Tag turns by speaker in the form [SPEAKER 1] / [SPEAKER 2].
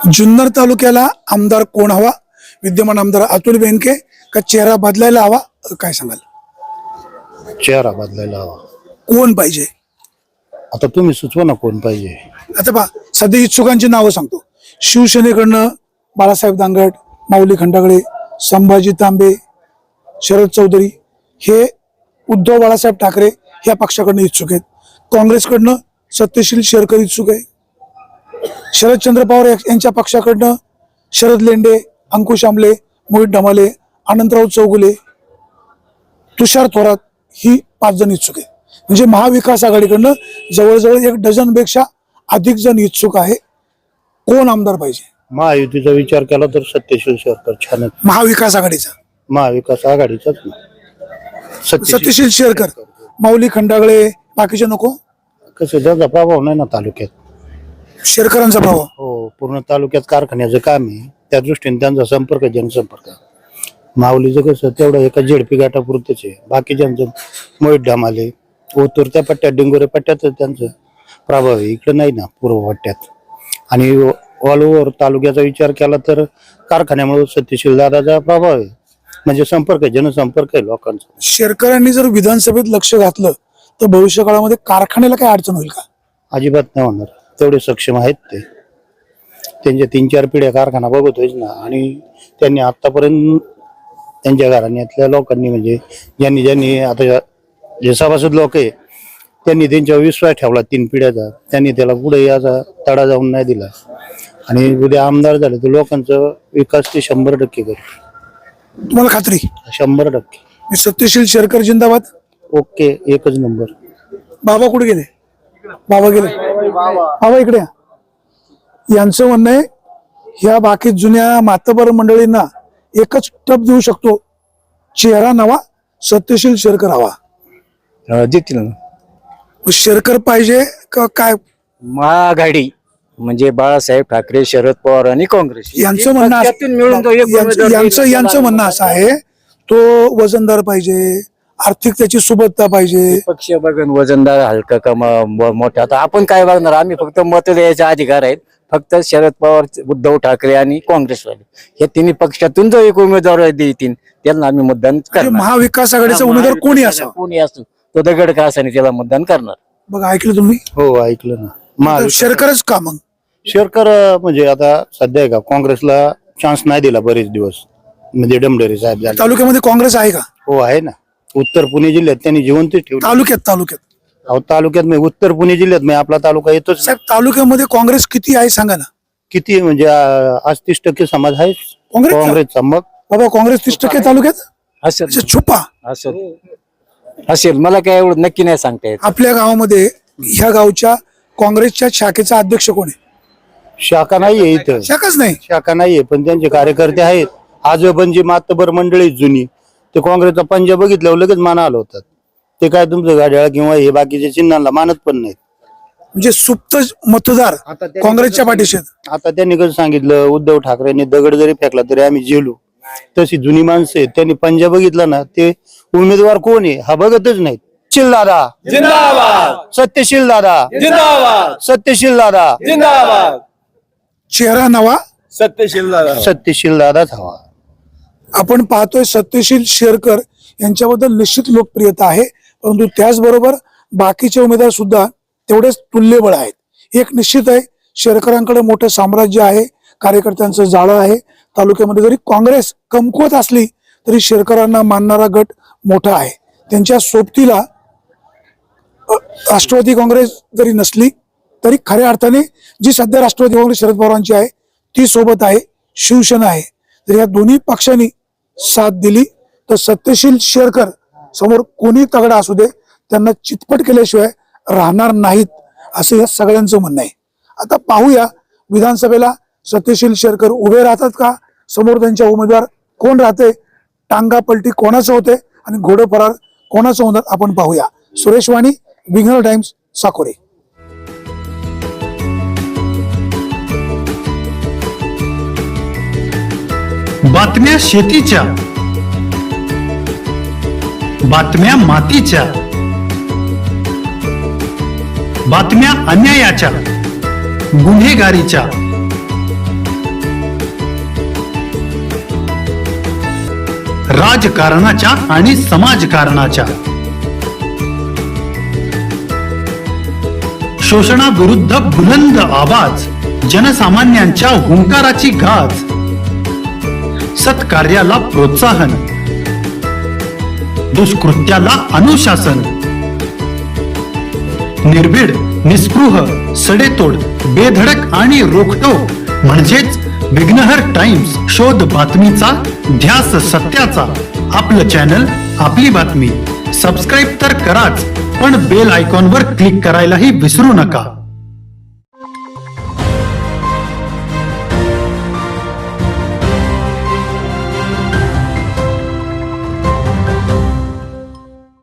[SPEAKER 1] जुन्नर तालुक्याला आमदार कोण हवा? विद्यमान आमदार अतुल बेनके का चेहरा बदलायला हवा? काय सांगाल?
[SPEAKER 2] चेहरा बदलायला हवा.
[SPEAKER 1] कोण पाहिजे?
[SPEAKER 2] आता तुम्ही सुचवा ना कोण पाहिजे.
[SPEAKER 1] आता पहा, सध्या इच्छुकांची नावं सांगतो. शिवसेनेकडनं बाळासाहेब दांगट, माऊली खंडागळे, संभाजी तांबे, शरद चौधरी हे उद्धव बाळासाहेब ठाकरे या पक्षाकडनं इच्छुक आहेत. काँग्रेसकडनं सत्यशील शेरकर इच्छुक आहे. शरदचंद्र पवार यांच्या पक्षाकडनं शरद लेंडे, अंकुश आमले, मोहित ढमाले, अनंतराव चौगुले, तुषार थोरात ही 5 जण इच्छुक आहे. म्हणजे महाविकास आघाडीकडनं जवळजवळ 1 डझनपेक्षा अधिक जण इच्छुक आहे. कोण आमदार पाहिजे?
[SPEAKER 2] महायुतीचा विचार केला तर सत्यशील शेरकर छान.
[SPEAKER 1] महाविकास आघाडीचा?
[SPEAKER 2] महाविकास आघाडीचाच ना.
[SPEAKER 1] सत्यशील शेरकर, माऊली खंडागळे, बाकीचे नको?
[SPEAKER 2] कसं त्याचा प्रभाव नाही ना तालुक्यात.
[SPEAKER 1] शेरकरांचा प्रभाव?
[SPEAKER 2] हो, पूर्ण तालुक्यात कारखान्याचं काम आहे, त्या दृष्टीने त्यांचा संपर्क जनसंपर्क. माऊलीचं कसं तेवढं एका झेडपी गाठापुरतच आहे. बाकीच्यांचं मोहित ढमाले, उतरत्या पट्ट्यात, डिंगोरे पट्ट्यात त्यांचं प्रभाव आहे. इकडे नाही ना पूर्व पट्ट्यात. आणि ऑल ओव्हर तालुक्याचा विचार केला तर कारखान्यामुळे सत्यशील दादाचा प्रभाव आहे. म्हणजे संपर्क, जनसंपर्क आहे लोकांचा.
[SPEAKER 1] शेरकरांनी जर विधानसभेत लक्ष घातलं तर भविष्य काळामध्ये कारखान्याला काय अडचण होईल का?
[SPEAKER 2] अजिबात नाही होणार. तेवढे सक्षम आहेत ते. त्यांच्या 3-4 पिढ्या कारखाना बघतोय ना. आणि त्यांनी आतापर्यंत त्यांच्या घराण्यातल्या लोकांनी, म्हणजे ज्यांनी आता जे सभासद लोक आहे त्यांनी त्यांच्यावर विश्वास ठेवला 3 पिढ्याचा. त्यांनी त्याला पुढे याचा तडा जाऊन नाही दिला. आणि उद्या आमदार झाले तर लोकांचा विकास ते 100% करू.
[SPEAKER 1] तुम्हाला खात्री?
[SPEAKER 2] 100%.
[SPEAKER 1] सत्यशील शेरकर जिंदाबाद.
[SPEAKER 2] ओके, एकच नंबर.
[SPEAKER 1] बाबा कुठे गेले? बाबा गेले. बाबा इकडे या. यांचं म्हणणं आहे ह्या बाकी जुन्या मातबर मंडळींना एकच टप देऊ शकतो, चेहरा नवा, सत्यशील शेरकर हवा.
[SPEAKER 3] देतील ना.
[SPEAKER 1] शेरकर पाहिजे का काय?
[SPEAKER 3] महाआघाडी म्हणजे बाळासाहेब ठाकरे, शरद पवार आणि काँग्रेस
[SPEAKER 1] यांचं म्हणणं यांचं म्हणणं असं आहे, तो वजनदार पाहिजे, आर्थिक त्याची सुबत्ता पाहिजे.
[SPEAKER 3] पक्ष बघून वजनदार, हलका का मोठा. आता आपण काय बघणार? आम्ही फक्त मत द्यायचा अधिकार आहेत. फक्त शरद पवार, उद्धव ठाकरे आणि काँग्रेसवाले हे तिन्ही पक्षातून जो एक उमेदवार देतील त्यांना आम्ही मतदान करणार.
[SPEAKER 1] महाविकास आघाडीचा उमेदवार कोणी असो,
[SPEAKER 3] तो दगड का असा त्याला मतदान करणार.
[SPEAKER 1] बघा, ऐकलं तुम्ही?
[SPEAKER 2] हो, ऐकलं ना.
[SPEAKER 1] शेरकरच का मग?
[SPEAKER 2] शेरकर म्हणजे आता सध्या का काँग्रेसला चान्स नाही दिला बरेच दिवस. म्हणजे डमडरे साहेब झाले.
[SPEAKER 1] तालुक्यामध्ये काँग्रेस आहे का?
[SPEAKER 2] हो, आहे ना. उत्तर पुणे जिल्ह्यात त्यांनी जिवंत ठेवलं.
[SPEAKER 1] तालुक्यात
[SPEAKER 2] अहो, तालुक्यात मी उत्तर पुणे जिल्ह्यात मी आपला तालुका येतोच.
[SPEAKER 1] साहेब, तालुक्यामध्ये काँग्रेस किती आहे सांगा ना?
[SPEAKER 2] किती म्हणजे आज 30% समाज आहे काँग्रेसचा. मग
[SPEAKER 1] बाबा, काँग्रेस 30% तालुक्यात
[SPEAKER 3] असेल.
[SPEAKER 1] छुपा
[SPEAKER 3] असेल, मला काय एवढं नक्की नाही सांगता येत.
[SPEAKER 1] आपल्या गावामध्ये ह्या गावच्या काँग्रेसच्या शाखेचा अध्यक्ष कोण आहे?
[SPEAKER 2] शाखा नाहीये इथं.
[SPEAKER 1] शाखाच नाही?
[SPEAKER 2] शाखा नाहीये, पण त्यांचे कार्यकर्ते आहेत. आजोबांची मातबर मंडळी जुनी, ते काँग्रेसचा पंजा बघितल्यावर लगेच मानाला होतात. ते काय तुमचं गाड्या किंवा हे बाकीच्या चिन्हांना मानत पण नाहीत.
[SPEAKER 1] म्हणजे सुप्त मतदार काँग्रेसच्या पाठीशी.
[SPEAKER 2] आता त्यांनी कसं सांगितलं, उद्धव ठाकरेंनी दगड जरी फेकला तरी आम्ही जेलू. तशी जुनी माणसं आहेत, त्यांनी पंजा बघितला ना, ते उमेदवार कोण आहे हा बघतच नाहीत. सत्यशील दादा जिंदाबाद, सत्यशील दादा जिंदाबाद, सत्यशील दादा जिंदाबाद.
[SPEAKER 1] चेहरा नवा,
[SPEAKER 2] सत्यशील दादाच हवा.
[SPEAKER 1] आपण पाहतोय सत्यशील शेरकर यांच्याबद्दल निश्चित लोकप्रियता आहे, परंतु त्याचबरोबर बाकीचे उमेदवार सुद्धा तेवढेच तुल्यबळ आहेत. एक निश्चित आहे, शेरकरांकडे मोठं साम्राज्य आहे, कार्यकर्त्यांचं जाळं आहे. तालुक्यामध्ये जरी काँग्रेस कमकुवत असली तरी शेरकरांना मानणारा गट मोठा आहे. त्यांच्या सोबतीला राष्ट्रवादी काँग्रेस जरी नसली तरी खऱ्या अर्थाने जी सध्या राष्ट्रवादी काँग्रेस शरद पवारांची आहे ती सोबत आहे, शिवसेना आहे. जर या दोन्ही पक्षांनी साथ दिली तर सत्यशील शेरकर समोर कोणी तगडा असू दे त्यांना चितपट केल्याशिवाय राहणार नाहीत, असं या सगळ्यांचं म्हणणं आहे. आता पाहूया विधानसभेला सत्यशील शेरकर उभे राहतात का, समोर त्यांच्या उमेदवार कोण राहते, टांगा पलटी कोणाचं होते आणि घोडं फरार कोणाचं होणार आपण पाहूया. सुरेश वाणी, विघ्नर टाइम्स, साकोरे.
[SPEAKER 4] बातम्या शेतीच्या, बातम्या मातीच्या, बातम्या अन्यायाच्या, गुन्हेगारीच्या, राजकारणाच्या आणि समाजकारणाच्या. शोषणाविरुद्ध बुलंद आवाज, जनसामान्यांच्या हुंकाराची गाज, सत्कार्याला प्रोत्साहन, दुष्कृत्याला अनुशासन. निर्भीड, निस्पृह, सडेतोड, बेधडक आणि रोखटोक म्हणजेच विघ्नहर टाइम्स. शोध बातमीचा, ध्यास सत्याचा. आपलं चॅनल, आपली बातमी. सबस्क्राईब तर कराच, पण बेल आयकॉनवर क्लिक करायलाही विसरू नका.